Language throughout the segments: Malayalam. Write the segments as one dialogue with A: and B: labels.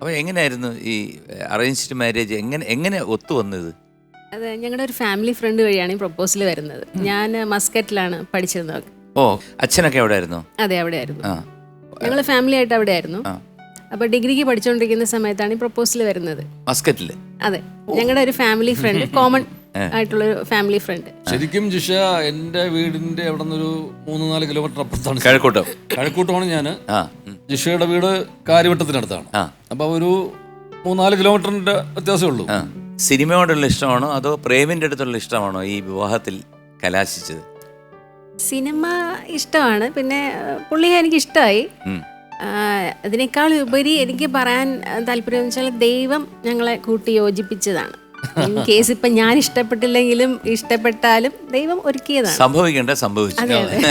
A: അപ്പോൾ എങ്ങനെയായിരുന്നു ഈ അറേഞ്ച്ഡ് മാരേജ്? എങ്ങനെ ഒത്തു വന്നത്?
B: അതെ, ഞങ്ങളുടെ ഒരു ഫാമിലി ഫ്രണ്ട് വഴിയാണ് ഈ പ്രൊപ്പോസൽ വരുന്നത്. ഞാൻ മസ്കറ്റിലാണ് പഠിച്ചിരുന്നത്.
A: ഓ, അച്ഛനൊക്കെ എവിടെ ആയിരുന്നു?
B: അതെ, അവിടെ ആയിരുന്നു. ഞങ്ങൾ ഫാമിലി ആയിട്ട് അവിടെ ആയിരുന്നു. അപ്പോൾ ഡിഗ്രിക്ക് പഠിച്ചുകൊണ്ടിരിക്കുന്ന സമയത്താണ് ഈ പ്രൊപ്പോസൽ വരുന്നത് മസ്കറ്റിൽ. അതെ, ഞങ്ങളുടെ ഒരു ഫാമിലി ഫ്രണ്ട്, കോമൺ ആയിട്ടുള്ളൊരു ഫാമിലി ഫ്രണ്ട്.
C: ശരിക്കും ജിഷ എൻ്റെ വീടിന്റെ അവിടെ നിന്നൊരു 3-4 കിലോമീറ്റർ അപ്പുറത്താണ്. കഴക്കൂട്ടമാണ് ഞാൻ. ജിഷയുടെ വീട് കാര്യവട്ടത്തിനടുത്താണ്. അപ്പൊ ഒരു 3-4 കിലോമീറ്ററിന്റെ വ്യത്യാസമേ ഉള്ളൂ.
A: സിനിമയോടുള്ള ഇഷ്ടമാണോ അതോ പ്രേമിന്റെ അടുത്തുള്ള ഇഷ്ടമാണോ ഈ വിവാഹത്തിൽ കലാശിച്ചത്?
B: സിനിമ ഇഷ്ടമാണ്, പിന്നെ പുള്ളിയെ എനിക്ക് ഇഷ്ടമായി. അതിനേക്കാൾ ഉപരി എനിക്ക് പറയാൻ താല്പര്യം വെച്ചാൽ ദൈവം ഞങ്ങളെ കൂട്ടി യോജിപ്പിച്ചതാണ്. കേസ് ഇപ്പൊ ഞാൻ ഇഷ്ടപ്പെട്ടില്ലെങ്കിലും ഇഷ്ടപ്പെട്ടാലും ദൈവം ഒരുക്കിയതാണ്.
A: സംഭവിച്ചു.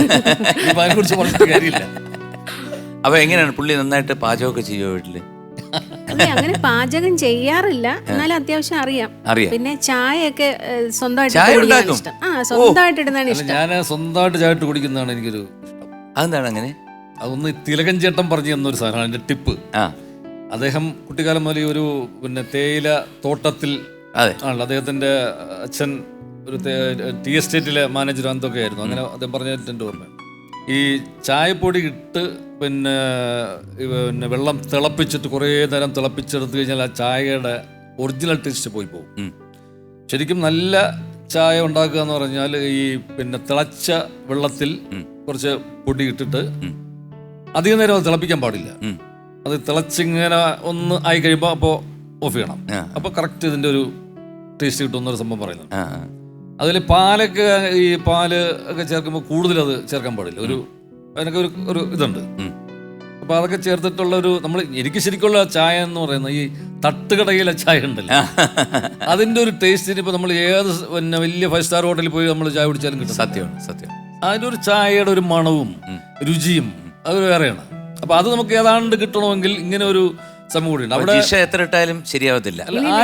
A: അപ്പൊ എങ്ങനെയാണ് പുള്ളി നന്നായിട്ട് പാചകമൊക്കെ ചെയ്യുമോ വീട്ടില്?
B: അങ്ങനെ പാചകം ചെയ്യാറില്ല, എന്നാലും അത്യാവശ്യം അറിയാം. പിന്നെ ചായയൊക്കെ സ്വന്തമായിട്ട് ഇഷ്ടം. സ്വന്തമായിട്ട് ഇടുന്നതാണ് ഇഷ്ടം.
C: ഞാൻ സ്വന്തമായിട്ട് ചായ ഇട്ട് കുടിക്കുന്നതാണ് എനിക്കൊരു ഇഷ്ടം.
A: അതെന്താണ് അങ്ങനെ?
C: അതൊന്ന് തിലകൻ ചേട്ടൻ പറഞ്ഞു തന്നൊരു സാധനമാണ് എൻ്റെ ടിപ്പ്. അദ്ദേഹം കുട്ടിക്കാലം മുതൽ ഒരു തേയില തോട്ടത്തിൽ ആണല്ലോ. അദ്ദേഹത്തിന്റെ അച്ഛൻ ഒരു ടീ എസ്റ്റേറ്റിലെ മാനേജർ എന്തൊക്കെ ആയിരുന്നു. അങ്ങനെ അദ്ദേഹം പറഞ്ഞിട്ടുണ്ട് ഓർമ്മ. ഈ ചായപ്പൊടി ഇട്ട് പിന്നെ വെള്ളം തിളപ്പിച്ചിട്ട് കുറേ നേരം തിളപ്പിച്ചെടുത്ത് കഴിഞ്ഞാൽ ആ ചായയുടെ ഒറിജിനൽ ടേസ്റ്റ് പോയി പോകും. ശരിക്കും നല്ല ചായ ഉണ്ടാക്കുക എന്ന് പറഞ്ഞാൽ ഈ തിളച്ച വെള്ളത്തിൽ കുറച്ച് പൊടി ഇട്ടിട്ട് അധികം നേരം അത് തിളപ്പിക്കാൻ പാടില്ല. അത് തിളച്ചിങ്ങനെ ഒന്ന് ആയി കഴിയുമ്പോൾ അപ്പോൾ ഓഫ് ചെയ്യണം. അപ്പോൾ കറക്റ്റ് ഇതിൻ്റെ ഒരു ടേസ്റ്റ് കിട്ടുന്നൊരു സംഭവം പറയുന്നുണ്ട്. അതിൽ പാലൊക്കെ ഈ പാല് ഒക്കെ ചേർക്കുമ്പോൾ കൂടുതൽ അത് ചേർക്കാൻ പാടില്ല. അതിനൊക്കെ ഒരു ഇതുണ്ട്. അപ്പോൾ അതൊക്കെ ചേർത്തിട്ടുള്ള എനിക്ക് ശരിക്കുള്ള ചായ എന്ന് പറയുന്നത് ഈ തട്ടുകടയിലെ ചായ ഉണ്ടല്ലോ, അതിൻ്റെ ഒരു ടേസ്റ്റിന് ഇപ്പോൾ നമ്മൾ ഏത് വലിയ 5 സ്റ്റാർ ഹോട്ടലിൽ പോയി നമ്മൾ ചായ കുടിച്ചാലും കിട്ടും.
A: സത്യം.
C: അതിൻ്റെ ഒരു ചായയുടെ ഒരു മണവും രുചിയും അത് വേറെയാണ്. അപ്പോൾ അത് നമുക്ക് ഏതാണ്ട് കിട്ടണമെങ്കിൽ ഇങ്ങനെ ഒരു സംഭവം കൂടി ഉണ്ട്. അവിടെ
A: എത്ര ഇട്ടാലും ശരിയാവത്തില്ല.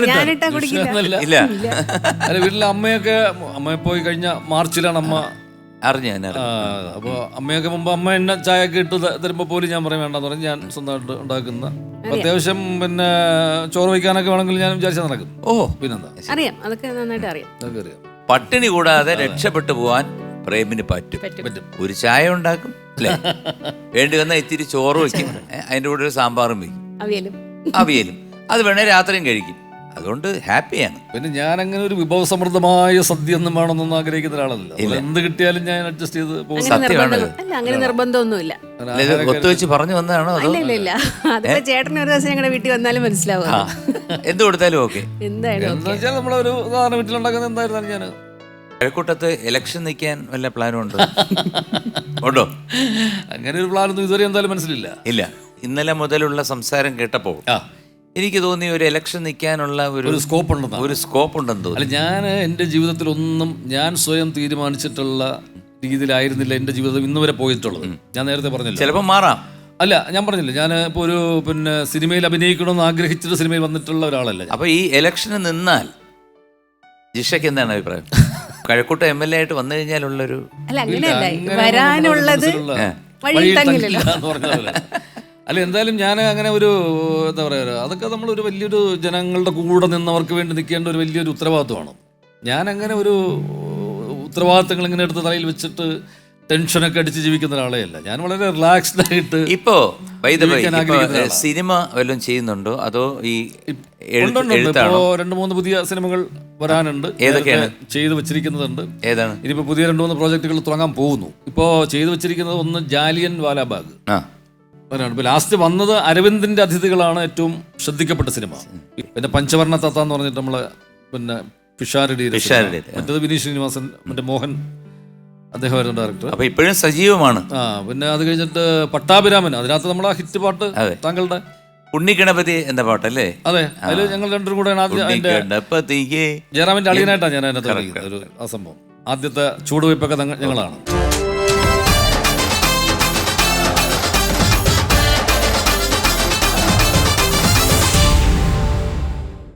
C: അല്ല, വീട്ടിലെ അമ്മ പോയി കഴിഞ്ഞ മാർച്ചിലാണ് അമ്മ
A: അറിഞ്ഞ.
C: അപ്പോൾ അമ്മയൊക്കെ മുമ്പ് അമ്മ എന്നെ ചായ ഒക്കെ ഇട്ട് തരുമ്പോൾ പോലും ഞാൻ പറയും വേണ്ടെന്ന് പറഞ്ഞ് ഞാൻ സ്വന്തമായിട്ട് ഉണ്ടാക്കുന്ന അത്യാവശ്യം ചോറ് വയ്ക്കാനൊക്കെ വേണമെങ്കിൽ ഞാൻ വിചാരിച്ചാൽ നടക്കും. പിന്നെന്താ,
B: അറിയാം, അതൊക്കെ നന്നായിട്ട് അറിയാം.
A: പട്ടിണി കൂടാതെ രക്ഷപ്പെട്ടു പോവാൻ പ്രേമിന് പറ്റും. ഒരു ചായ ഉണ്ടാക്കും അല്ലേ, വേണ്ടി വന്നാൽ ഇത്തിരി ചോറ് വയ്ക്കും, അതിൻ്റെ കൂടെ ഒരു സാമ്പാറും വയ്ക്കും, അവിയലും. അത് വേണേ രാത്രിയും കഴിക്കും. അതുകൊണ്ട് ഹാപ്പിയാണ്.
C: പിന്നെ ഞാൻ അങ്ങനെ ഒരു വിഭവസമൃദ്ധമായ സദ്യ ഒന്നും വേണമെന്നൊന്നും ആഗ്രഹിക്കുന്ന ഒരാളല്ല. എന്ത് കിട്ടിയാലും ഞാൻ അഡ്ജസ്റ്റ് ചെയ്ത് പോകും.
B: അങ്ങനെ നിർബന്ധമൊന്നുമില്ല.
A: ഒത്തുവെച്ച് പറഞ്ഞു വന്നതാണോ?
B: ഇല്ല, അതിപ്പോ ചേട്ടന് ഒരു ദിവസം ഞങ്ങളുടെ വീട്ടിൽ വന്നാലും മനസ്സിലാവും.
A: എന്ത് കൊടുത്താലും ഓക്കെ.
C: എന്താ വെച്ചാൽ നമ്മളൊരു ഉദാഹരണ വീട്ടിലുണ്ടാക്കുന്നത് എന്തായിരുന്നാലും ഞാൻ
A: കഴക്കൂട്ടത്ത് ഇലക്ഷൻ നിൽക്കാൻ വല്ല പ്ലാനും ഉണ്ടോ?
C: അങ്ങനെ ഒരു പ്ലാനൊന്നും ഇതുവരെ എന്തായാലും മനസ്സിലില്ല.
A: ഇല്ല. ഇന്നലെ മുതലുള്ള സംസാരം കേട്ടപ്പോൾ എനിക്ക് തോന്നി ഒരു ഇലക്ഷൻ നിൽക്കാനുള്ള ഒരു സ്കോപ്പ് ഉണ്ടെന്ന് തോന്നി.
C: അല്ല, ഞാൻ എൻ്റെ ജീവിതത്തിലൊന്നും ഞാൻ സ്വയം തീരുമാനിച്ചിട്ടുള്ള രീതിയിലായിരുന്നില്ല എൻ്റെ ജീവിതം ഇന്ന് വരെ പോയിട്ടുള്ളത്. ഞാൻ നേരത്തെ പറഞ്ഞില്ല,
A: ചിലപ്പോൾ മാറാം.
C: അല്ല, ഞാൻ പറഞ്ഞില്ല, ഞാൻ ഇപ്പോൾ ഒരു സിനിമയിൽ അഭിനയിക്കണമെന്ന് ആഗ്രഹിച്ചിട്ട് സിനിമയിൽ വന്നിട്ടുള്ള ഒരാളല്ല.
A: അപ്പോൾ ഈ ഇലക്ഷന് നിന്നാൽ ജിഷയ്ക്ക് എന്താണ് അഭിപ്രായം? കഴക്കൂട്ട MLA ആയിട്ട് വന്നു കഴിഞ്ഞാലുള്ളൊരു
C: അല്ല, എന്തായാലും ഞാൻ അങ്ങനെ ഒരു എന്താ പറയുക, അതൊക്കെ നമ്മളൊരു വലിയൊരു ജനങ്ങളുടെ കൂടെ നിന്നവർക്ക് വേണ്ടി നിൽക്കേണ്ട ഒരു വലിയൊരു ഉത്തരവാദിത്വമാണ്. ഞാൻ അങ്ങനെ ഒരു ഉത്തരവാദിത്തങ്ങൾ ഇങ്ങനെ എടുത്ത് തലയിൽ വെച്ചിട്ട് ടെൻഷനൊക്കെ അടിച്ച് ജീവിക്കുന്ന ഒരാളെ അല്ല. ഞാൻ വളരെ റിലാക്സ്ഡ് ആയിട്ട്.
A: ഇപ്പോ സിനിമ വല്ലതും ചെയ്യുന്നുണ്ടോ അതോ ഈ
C: 2-3 പുതിയ സിനിമകൾ വരാനുണ്ട്.
A: ഏതൊക്കെയാണ്
C: ചെയ്തു വെച്ചിരിക്കുന്നതുണ്ട്?
A: ഏതാണ്?
C: ഇനിയിപ്പോൾ പുതിയ 2-3 പ്രോജക്റ്റുകൾ തുടങ്ങാൻ പോകുന്നു. ഇപ്പോൾ ചെയ്തു വെച്ചിരിക്കുന്നത് ഒന്ന് ജാലിയൻ വാലാബാഗ് വരാണ്. ഇപ്പോൾ ലാസ്റ്റ് വന്നത് അരവിന്ദിന്റെ അതിഥികളാണ് ഏറ്റവും ശ്രദ്ധിക്കപ്പെട്ട സിനിമ. പിന്നെ പഞ്ചവർണ്ണ തത്ത എന്ന് പറഞ്ഞിട്ട് നമ്മളെ പിഷാരടി, മറ്റേത് വിനീത് ശ്രീനിവാസൻ, മറ്റേ മോഹൻ, അദ്ദേഹമായിരുന്നു ഡയറക്ടർ.
A: അപ്പൊ ഇപ്പോഴും സജീവമാണ്.
C: പിന്നെ അത് കഴിഞ്ഞിട്ട് പട്ടാഭിരാമൻ, അതിനകത്ത് നമ്മളെ ഹിറ്റ് പാട്ട് താങ്കളുടെ
A: ഉണ്ണിഗണപതി എന്ന പാട്ടല്ലേ?
C: അതെ, അതിൽ ഞങ്ങൾ രണ്ടും കൂടെ ജയറാമിന്റെ അളിയനായിട്ടാണ് ഞാൻ അതിനകത്ത് ആ സംഭവം. ആദ്യത്തെ ചൂടുവയ്പ്പൊക്കെ ഞങ്ങളാണ്.